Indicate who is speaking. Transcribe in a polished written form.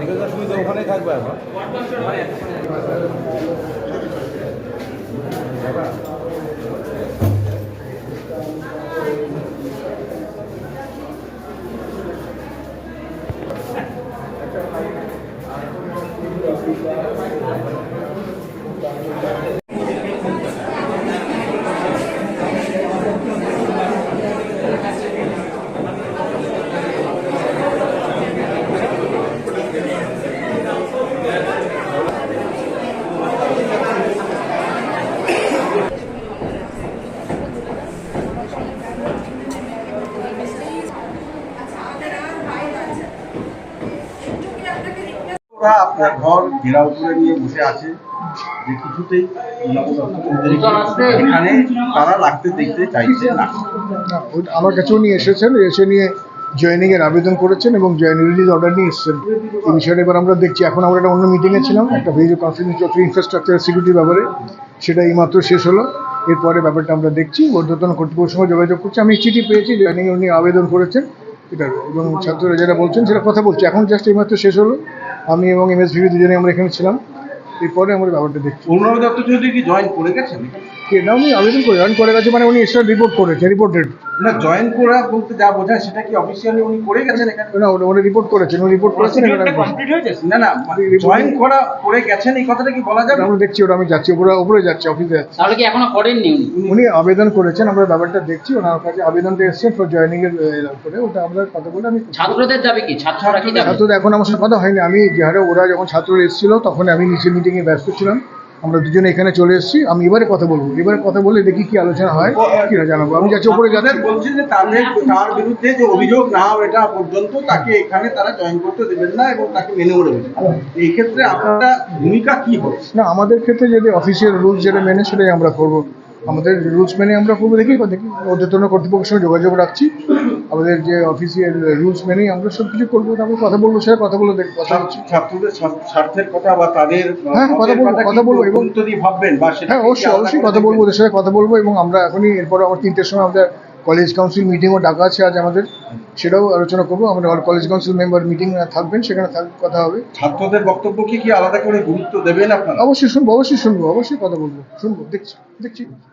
Speaker 1: চিকিৎসা সুবিধা ওখানেই থাকবে এখন।
Speaker 2: আপনার ঘর ঘেরাও করে নিয়ে বসে আছে যে কিছুতেই এখানে তারা রাখতে দেখতে চাইছে না।
Speaker 3: আমার কাছেও নিয়ে এসেছেন, এসে নিয়ে জয়েনিং এর আবেদন করেছেন এবং জয়েনিং রিলিজ অর্ডার নিয়ে এসেছেন। এই বিষয়টা এবার আমরা দেখছি। এখন আমরা একটা অন্য মিটিংয়ে ছিলাম, একটা ভিডিও কনফিডেন্সিয়াল ইনফ্রাস্ট্রাকচার সিকিউরিটির ব্যাপারে, সেটা এইমাত্র শেষ হলো। এরপরে ব্যাপারটা আমরা দেখছি, ঊর্ধ্বতন কর্তৃপক্ষের সঙ্গে যোগাযোগ করছি। আমি চিঠি পেয়েছি, জয়েনিং উনি আবেদন করেছেন এটার, এবং ছাত্ররা যেটা বলছেন সেটা কথা বলছি। এখন জাস্ট এইমাত্র শেষ হলো। আমি এবং এমএসভিবি দুজনে আমরা এখানে ছিলাম। এরপরে আমরা ব্যাপারটা দেখছি।
Speaker 2: অরুণাভ দত্ত চৌধুরী কি জয়েন করে গেছেন?
Speaker 3: না, উনি আবেদন করে জয়েন করে গেছে, মানে উনি এক্সট্রা রিপোর্ট করেছে, রিপোর্টেড
Speaker 2: না। জয়েন করা বলতে যা বোঝায় সেটা কি অফিসিয়ালি উনি করে গেছেন এখানে?
Speaker 3: না, উনি রিপোর্ট করেছেন, উনি রিপোর্ট করেছেন।
Speaker 2: না না, জয়েন করা করে গেছেন এই কথাটা কি বলা যাবে?
Speaker 3: আমরা দেখছি, ওটা আমি যাচ্ছি, উপরে যাচ্ছি, অফিসে যাচ্ছি।
Speaker 4: তাহলে কি এখনো করেননি
Speaker 3: উনি আবেদন করেছেন, আমরা ব্যাপারটা দেখছি। ওনার কাছে আবেদনটা এসছে ফর জয়েনিং এর করে, ওটা আমরা কথা বলে আমি
Speaker 4: ছাত্রদের যাবে কি? ছাত্ররা কি যাবে?
Speaker 3: ছাত্রদের এখন আমার সাথে কথা হয়নি। আমি যে হারে ওরা যখন ছাত্ররা এসেছিল তখন আমি নিচে মিটিংয়ে ব্যস্ত ছিলাম। আমরা দুজনে এখানে চলে এসেছি। আমি এবারে কথা বলবো, এবারে কথা বলে দেখি কি আলোচনা হয়, কি না জানাবো। আমি যাচ্ছি, উপরে যাচ্ছি।
Speaker 2: বলছি যে তার বিরুদ্ধে যে অভিযোগ না হয় এটা পর্যন্ত তাকে এখানে তারা জয়েন করতে দেবেন না এবং তাকে মেনে নেবেন। এই ক্ষেত্রে আপনারা ভূমিকা কি হবে?
Speaker 3: না, আমাদের ক্ষেত্রে যদি অফিসিয়াল রুলস যেটা মেনে সেটাই আমরা করবো। আমাদের রুলস মেনে আমরা করবো। দেখি ঊর্ধ্বতন কর্তৃপক্ষের সঙ্গে যোগাযোগ রাখছি। আমাদের যে অফিসিয়াল রুলস মেনেই আমরা সব কিছু করবো। তারপর কথা বলবো, সেটা কথা বলে দেখি। কথা হচ্ছে
Speaker 2: ছাত্রদের স্বার্থের কথা বা তাদের
Speaker 3: কথা বলবো এবং
Speaker 2: ভাববেন বা সেটা
Speaker 3: অবশ্যই কথা বলবো, ওদের সাথে কথা বলবো। এবং আমরা এখনই এরপরে আমার 3টের সময় আমাদের কলেজ কাউন্সিল মিটিংও ডাকা আছে আজ আমাদের, সেটাও আলোচনা করবো। আমরা কলেজ কাউন্সিল মেম্বার মিটিং থাকবেন, সেখানে কথা হবে।
Speaker 2: ছাত্রদের বক্তব্য কি আলাদা করে গুরুত্ব দেবেন আপনারা?
Speaker 3: অবশ্যই শুনবো, অবশ্যই কথা বলবো, শুনবো, দেখছি।